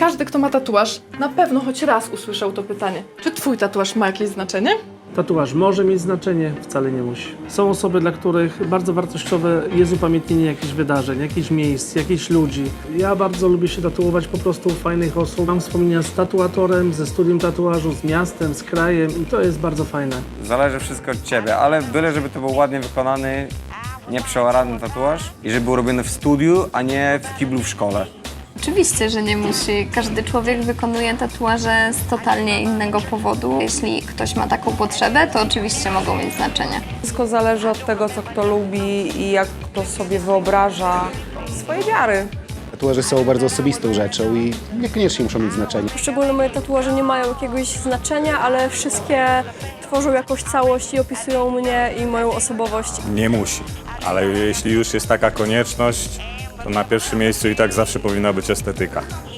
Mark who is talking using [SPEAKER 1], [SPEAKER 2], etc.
[SPEAKER 1] Każdy, kto ma tatuaż, na pewno choć raz usłyszał to pytanie. Czy twój tatuaż ma jakieś znaczenie?
[SPEAKER 2] Tatuaż może mieć znaczenie, wcale nie musi. Są osoby, dla których bardzo wartościowe jest upamiętnienie jakichś wydarzeń, jakichś miejsc, jakichś ludzi. Ja bardzo lubię się tatuować po prostu u fajnych osób. Mam wspomnienia z tatuatorem, ze studium tatuażu, z miastem, z krajem i to jest bardzo fajne.
[SPEAKER 3] Zależy wszystko od ciebie, ale byle, żeby to był ładnie wykonany, nieprzeorany tatuaż i żeby był robiony w studiu, a nie w kiblu w szkole.
[SPEAKER 4] Oczywiście, że nie musi. Każdy człowiek wykonuje tatuaże z totalnie innego powodu. Jeśli ktoś ma taką potrzebę, to oczywiście mogą mieć znaczenie.
[SPEAKER 5] Wszystko zależy od tego, co kto lubi i jak kto sobie wyobraża swoje wiary.
[SPEAKER 6] Tatuaże są bardzo osobistą rzeczą i niekoniecznie muszą mieć znaczenie.
[SPEAKER 7] Poszczególne moje tatuaże nie mają jakiegoś znaczenia, ale wszystkie tworzą jakąś całość i opisują mnie i moją osobowość.
[SPEAKER 8] Nie musi, ale jeśli już jest taka konieczność, to na pierwszym miejscu i tak zawsze powinna być estetyka.